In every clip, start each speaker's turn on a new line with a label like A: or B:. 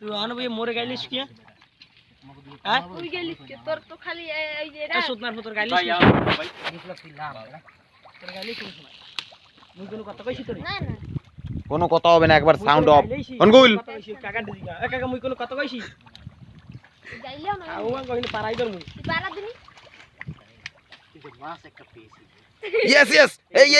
A: তুই অনবই মরে গাইলিস কি
B: তুই গেলিস কে তোর তো খালি এই যে
A: এ সুতনার পুত্র গাইলিস কি
C: ভাই
A: তোর গাইলিস কি সময় মুই কোনো কথা কইছি তোরে
B: না না
C: কোনো কথা হবে না, একবার সাউন্ড অফ অনগুল।
A: কাকা দিদি কাকা মুই কোনো কথা কইছি
B: যাইলেও না
A: আউয়া কইনি পারাই দর মুই
B: তুই পারা দিনি
C: ইয়েস ইয়েস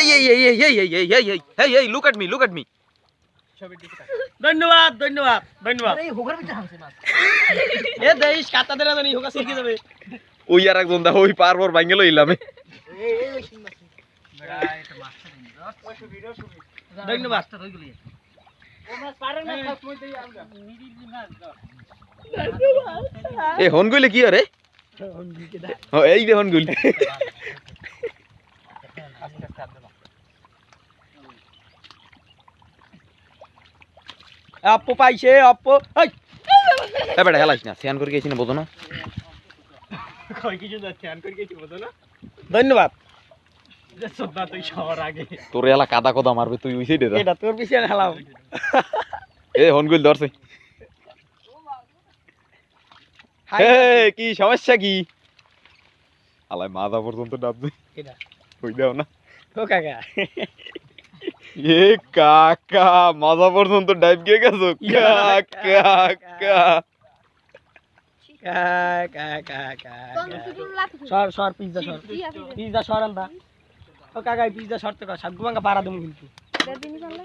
C: এই লুক এট মি
A: ধন্যবাদ ধন্যবাদ ধন্যবাদ এই হোগার ভিতরে হামছে মাছ এ দেইস কাটা দেনা জানি হোগা সিরকে যাবে
C: ওই আর একজন দা ওই পারবর ভাঙে লইলাম
A: এই ওই সিন মাছ মেরা এটা মাছটা দিন ওই সুবিধা ধন্যবাদ তো হই গলি ও মাছ পারেন না সব মই দেই আমগা মিরি মাছ দাও
C: এ হনগুলে কি আরে
A: হনগুল কে দা
C: ও এই দে হনগুল
A: আপু পাইছে আপু এই
C: এ বেটা হেলাইস না সিয়ান করে গেছি না বুঝো না
A: কই কিছু যাচ্ছে আন করে গেছি বুঝো না ধন্যবাদ যে সদা তুই সবার আগে
C: তোর এলা কাদা কোদা মারবে তুই ওই সাইডে যা
A: এটা তোর পিছনে হেলাও
C: এ হনগুল ধরছে হে কি সমস্যা কি আলাই মাথা পর্যন্ত ডাববে
A: এটা
C: কই দাও না
A: ও কাকা
C: এ কাকা মাথা পর্যন্ত ডাইভ গিয়ে গেছো কাকা
B: কোন তুই লাত
A: সর পিজ্জা সর আন্দা ও কাকা পিজ্জা সর তো সব গুবাঙ্গা পারা দম কিন্তু
B: দিনি চলে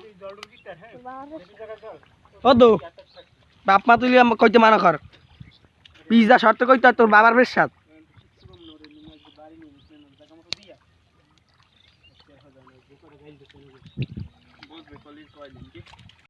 A: ও দো বাপ মা তুই কইতে মানা কর পিজ্জা সর তো কইতে তোর বাবার বেশ সাথ বুঝবে কলির কয় দিন কি